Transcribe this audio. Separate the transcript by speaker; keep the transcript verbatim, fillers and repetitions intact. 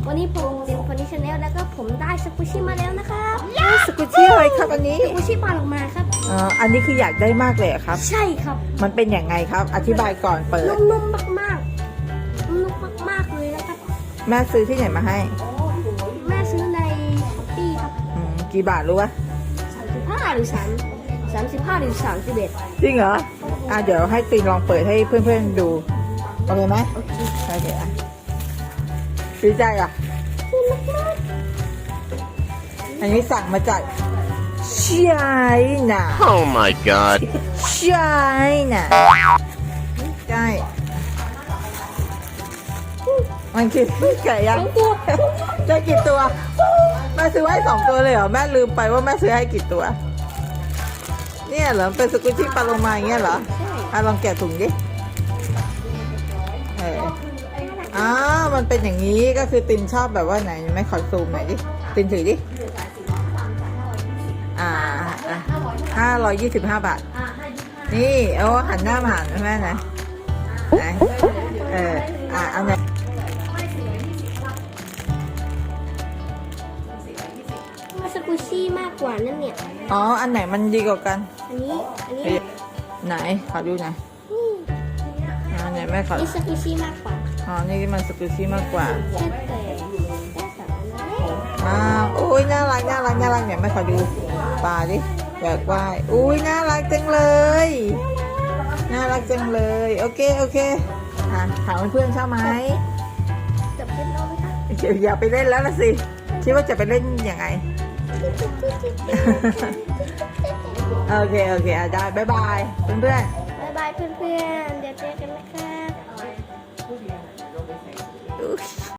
Speaker 1: วันนี้ผมเป็นฟอนิชแนลแล้วก็ผมได้สกุชิมาแล้วนะครับ
Speaker 2: สกุชี่อะไรครับอันนี้
Speaker 1: สกุชิปลาออกมาครับ
Speaker 2: อ๋ออันนี้คืออยากได้มากเลยเหรอครับ
Speaker 1: ใช่ครับ
Speaker 2: มันเป็นอย่างไงครับ อธิบายก่อนเปิด
Speaker 1: นุ่มๆมากๆนุ่มมากๆเลยนะครับ
Speaker 2: แม่ซื้อที่ไหนมาให้
Speaker 1: แม่ซื้อในช้อปปี้ครับ
Speaker 2: อืมกี่บาทรู้ปะ
Speaker 1: สามสิบห้าหรือสามสามสิบห้าหรือสามสิบเอ็ด
Speaker 2: จริงเหรออ่ะเดี๋ยวให้ตีนลองเปิดให้เพื่อนๆดูโอเคไหม
Speaker 1: โอเค
Speaker 2: โอเคอ่ะดีใจอ่ะอันนี้สั่งมาจากไชน่า
Speaker 3: Oh my god.
Speaker 2: ไชน่าใช่มันคือไก่ยังได้กี่ตัวแม่ซื้อให้สองตัวเลยเหรอแม่ลืมไปว่าแม่ซื้อให้กี่ตัว เนี่ยเหรอเป็นสกุชชี่ปลาโลมาอย่างเงี้ยเหรออ่ะลองแกะถุงดิเอออ้าวมันเป็นอย่างนี้ก็คือตินชอบแบบว่าไหนไม่ขอซูมหน่อยดิตินถือดิอ่าห้าร้อยยี่สิบห้าบาทนี่เอาหันหน้ามาหันแม่นะไหนเอออ่ะเอาไหน
Speaker 1: มาสกุชิมากกว่านั่นเนี่ย
Speaker 2: อ๋ออันไหนมันดีกว่ากัน
Speaker 1: อันนี้อันนี้
Speaker 2: เฮ้ยไหนขอดูหน่อย
Speaker 1: นี่
Speaker 2: อ่าไหนแม่ขอ
Speaker 1: นี่สกุชิมากกว่า
Speaker 2: อ๋อนี่มันสกุชชี่มากกว่า
Speaker 1: แค่แต่ได้สามอันแล้ว
Speaker 2: อ้าวโอ้ยน่ารักน่ารักน่ารักเนี่ยไม่ขอดูปลาดิอยากว่ายอุ้ยน่ารักจังเลยน่ารักจังเลยโอเคโอเคอ่ะถามเพื่อนๆชอบไหม
Speaker 1: จับเป็นเอาไหมคะ
Speaker 2: เดี๋ยวอย่าไปเล่นแล้วละสิคิดว่าจะไปเล่นยังไง โอเคโอเคอ่ะได้บ๊ายบายเพื่อน
Speaker 1: บ๊ายบายเพื่อนๆ เดี๋ยวเจอกันนะครับ
Speaker 2: ๆอุ๊ย